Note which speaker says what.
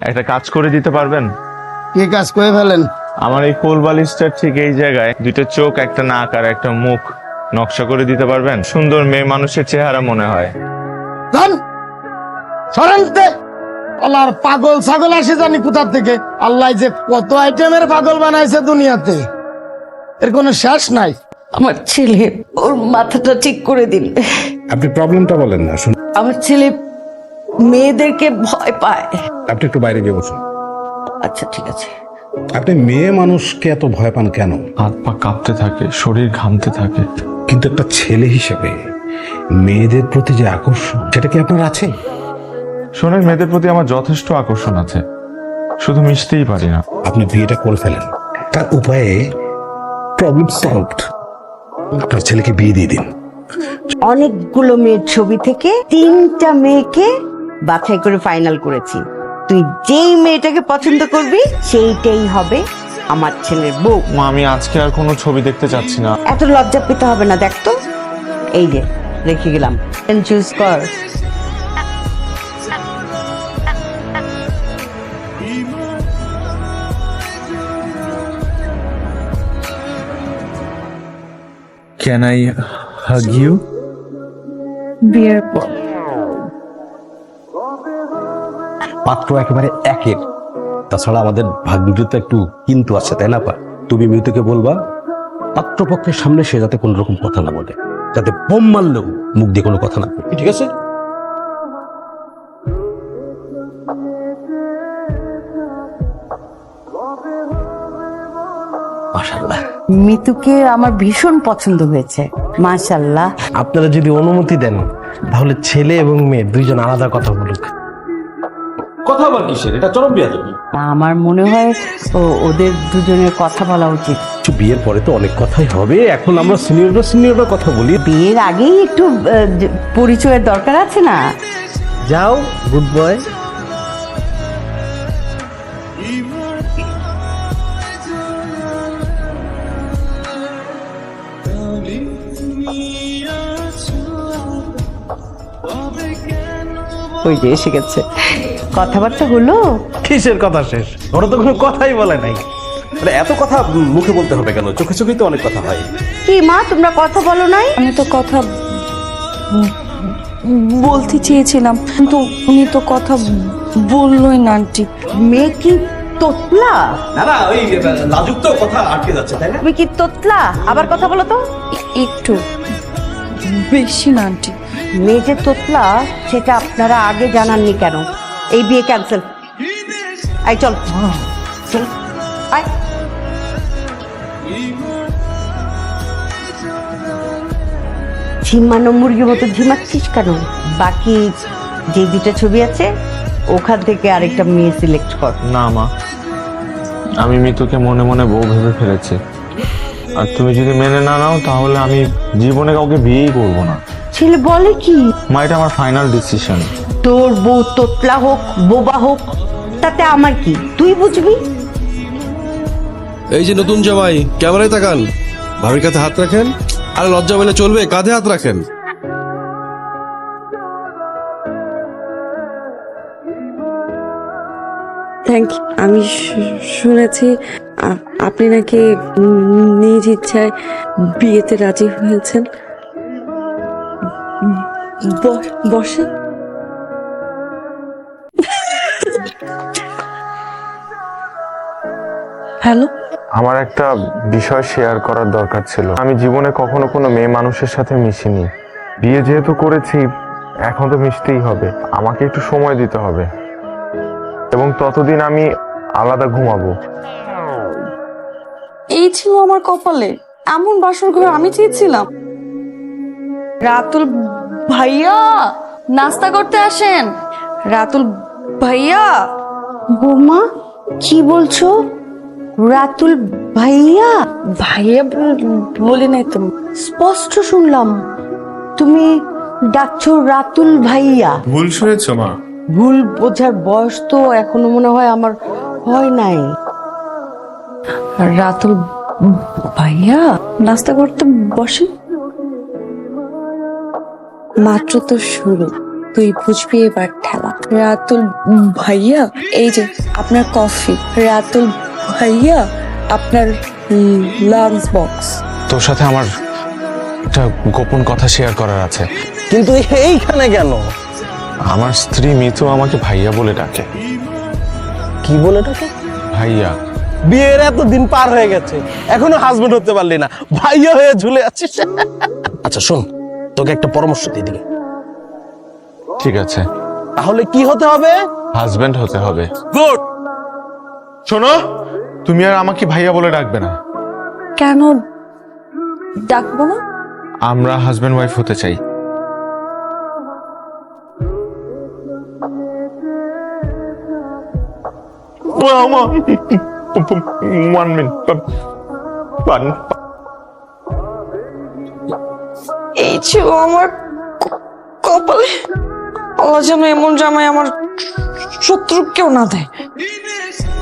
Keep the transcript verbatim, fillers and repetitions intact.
Speaker 1: একটা কাজ করে দিতে পারবেন?
Speaker 2: কি কাজ করে ফেলেন?
Speaker 1: আমার এই কোল বালিশটার ঠিক এই জায়গায় দুটো চোখ, একটা নাক আর একটা মুখ নকশা করে দিতে পারবেন? সুন্দর মেয়ে মানুষের চেহারা মনে হয়।
Speaker 2: ধন সরেনতে আল্লাহর পাগল ছাগল আসে জানি কোথা থেকে। আল্লাহ যে কত আইটেমের পাগল বানাইছে দুনিয়াতে, এর কোনো শেষ নাই।
Speaker 3: আমার ছেলে, ওর মাথাটা ঠিক করে দিন।
Speaker 4: আপনি প্রবলেমটা বলেন না, শুনুন।
Speaker 3: আমার ছেলে মেয়েদেরকে ভয় পায়।
Speaker 4: আপনি একটু বাইরে গিয়ে বসুন।
Speaker 3: আচ্ছা ঠিক আছে।
Speaker 4: আপনি মেয়ে মানুষকে এত ভয় পান কেন?
Speaker 1: হাত পা কাঁপতে থাকে, শরীর ঘামতে থাকে।
Speaker 4: কিন্তু একটা ছেলে হিসেবে মেয়েদের প্রতি যে আকর্ষণ, সেটা কি আপনার আছে?
Speaker 1: শোনেন, মেয়েদের প্রতি আমার যথেষ্ট আকর্ষণ আছে, শুধু মিশতেই পারি না।
Speaker 4: আপনি বিয়েটা করে ফেলেন, তার উপায়ে প্রবলেম সলভড। আপনার ছেলেকে বিয়ে দিয়ে দিন।
Speaker 5: অনেকগুলো মেয়ের ছবি থেকে তিনটা মেয়েকে বাছাই করে ফাইনাল করেছি। তুই যেই মেয়েটাকে পছন্দ করবি সেইটাই হবে আমার ছেলের বউ।
Speaker 1: মা, আমি আজকে আর কোনো ছবি দেখতে চাচ্ছি না।
Speaker 5: এত লজ্জা পেতে হবে না, দেখ তো এই যে রেখে গেলাম, চুজ কর।
Speaker 1: Can I hug you?
Speaker 3: বিয়ের পর
Speaker 6: পাত্র একেবারে একের। তাছাড়া আমাদের ভাগ্যে তো একটু কিন্তু আছে, তাই না পা? তুমি মৃতকে বলবা পাত্রপক্ষের সামনে সে যাতে কোনো রকম কথা না বলে, যাতে বোম মারলেও মুখ দিয়ে কোনো কথা না বলে, ঠিক আছে? মাশাআল্লাহ,
Speaker 5: মিতুকে আমার ভীষণ পছন্দ হয়েছে, মাশাআল্লাহ।
Speaker 7: আপনারা যদি অনুমতি দেন তাহলে ছেলে এবং মেয়ে দুইজন আলাদা কথা বলুক।
Speaker 6: কথা আবার কিসের? এটা চরম বিয়াদবি।
Speaker 5: আমার মনে হয় ও- ওদের দুজনের কথা বলা উচিত।
Speaker 6: কিছু বিয়ের পরে তো অনেক কথাই হবে, এখন আমরা সিনিয়ররা সিনিয়ররা কথা বলি।
Speaker 5: বিয়ের আগেই একটু আহ, যে- পরিচয়ের দরকার আছে না?
Speaker 7: যাও গুড বয়।
Speaker 5: ওই যে এসে গেছে, কথাবার্তা হলো।
Speaker 7: কিসের কথা শেষ? ওরা তো কোনো কথাই বলে নাই।
Speaker 6: মানে এত কথা মুখে বলতে হবে কেন? চোখে চোখেই তো অনেক কথা হয়।
Speaker 5: কি মা, তোমরা কথা বলো নাই?
Speaker 8: আমি তো কথা বলতে চেয়েছিলাম কিন্তু উনি তো কথা বললোই না আন্টি।
Speaker 5: মেয়ে কি তোতলা?
Speaker 6: না না, ওই লাজুক তো কথা আটকে যাচ্ছে, তাই না?
Speaker 5: তুমি কি তোতলা? আবার কথা বলো তো।
Speaker 8: এ- একটু বেশি না আন্টি।
Speaker 5: মেয়ে যে তোতলা সেটা আপনারা আগে জানাননি কেন? এই বিয়ে ক্যান্সেল। আই চল চল, আয়। ঝিমানো মুরগির মতো ঝিমাচ্ছিস কেন? বাকি যে দুটা ছবি আছে ওখান থেকে আরেকটা মেয়ে সিলেক্ট কর।
Speaker 1: না মা, আমি মিতুকে মনে মনে বউ ভেবে ফেলেছি, আর তুমি যদি মেনে না নাও তাহলে আমি জীবনে কাউকে বিয়েই করব না।
Speaker 5: ছেলে বলে কি?
Speaker 1: মা, এটা আমার ফাইনাল ডিসিশন।
Speaker 5: তোর বউ তোতলা হোক বোবা হোক তাতে আমার কি, তুই বুঝবি।
Speaker 9: এই যে নতুন জামাই, ক্যামেরায় তাকান, ভাবির কাছে হাত রাখেন। আরে লজ্জা পেলে চলবে, কাঁধে হাত রাখেন।
Speaker 8: Thank you. আমি শু- শুনেছি আ- আপনি নাকি নিজ ইচ্ছায় বিয়েতে রাজি হয়েছেন। ব- বসেন। হ্যালো,
Speaker 1: আমার একটা বিষয় শেয়ার করার দরকার ছিল। আমি জীবনে কখনো কোনো মেয়ে মানুষের সাথে মিশিনি। বিয়ে যেহেতু করেছি, এখন তো মিশতেই হবে। আমাকে একটু সময় দিতে হবে, এবং ততদিন আমি আলাদা ঘুমাবো।
Speaker 8: এই ছিল আমার কপালে, এমন বাসর ঘর আমি চেয়েছিলাম। রাতুল ভাইয়া, নাস্তা করতে আসেন। রাতুল ভাইয়া।
Speaker 5: বৌমা কি বলছো? রাতুল ভাইয়া?
Speaker 8: ভাইয়া বল- বলি নাই তো।
Speaker 5: স্পষ্ট শুনলাম তুমি ডাকছো রাতুল ভাইয়া।
Speaker 1: ভুল শুনেছো মা।
Speaker 5: ভুল বোঝার বয়স তো এখনো মনে হয় আমার হয় নাই।
Speaker 8: রাতুল ভাইয়া, নাস্তা করতে বসেন। মাত্র তো শুরু, তুই বুঝবি এবার ঠেলা। রাতুল ভাইয়া, এই যে আপনার কফি। রাতুল ভাইয়া, আপনার লাঞ্চ বক্স।
Speaker 1: তোর সাথে আমার একটা গোপন কথা শেয়ার করার আছে।
Speaker 7: কিন্তু এইখানে কেন?
Speaker 1: আমার স্ত্রী মিতু আমাকে ভাইয়া বলে ডাকে।
Speaker 7: কি বলে ডাকে?
Speaker 1: ভাইয়া।
Speaker 7: বিয়ের এত দিন পার হয়ে গেছে, এখনো হাজবেন্ড হতে পারলি না, ভাইয়া হয়ে ঝুলে আছিস। আচ্ছা শোন, তোকে একটা পরামর্শ দিয়ে দিই।
Speaker 1: ঠিক আছে,
Speaker 7: তাহলে কি হতে হবে?
Speaker 1: হাজবেন্ড হতে হবে।
Speaker 7: গুড।
Speaker 1: শোনো, তুমি আর আমাকে ভাইয়া বলে ডাকবে না।
Speaker 8: কেন ডাকবো না?
Speaker 1: আমরা হাজবেন্ড ওয়াইফ হতে চাই। One minute.
Speaker 8: এই ছিল আমার কপালে। আল্লাহ যেন এমন জামাই আমার শত্রু কেউ না দেয়।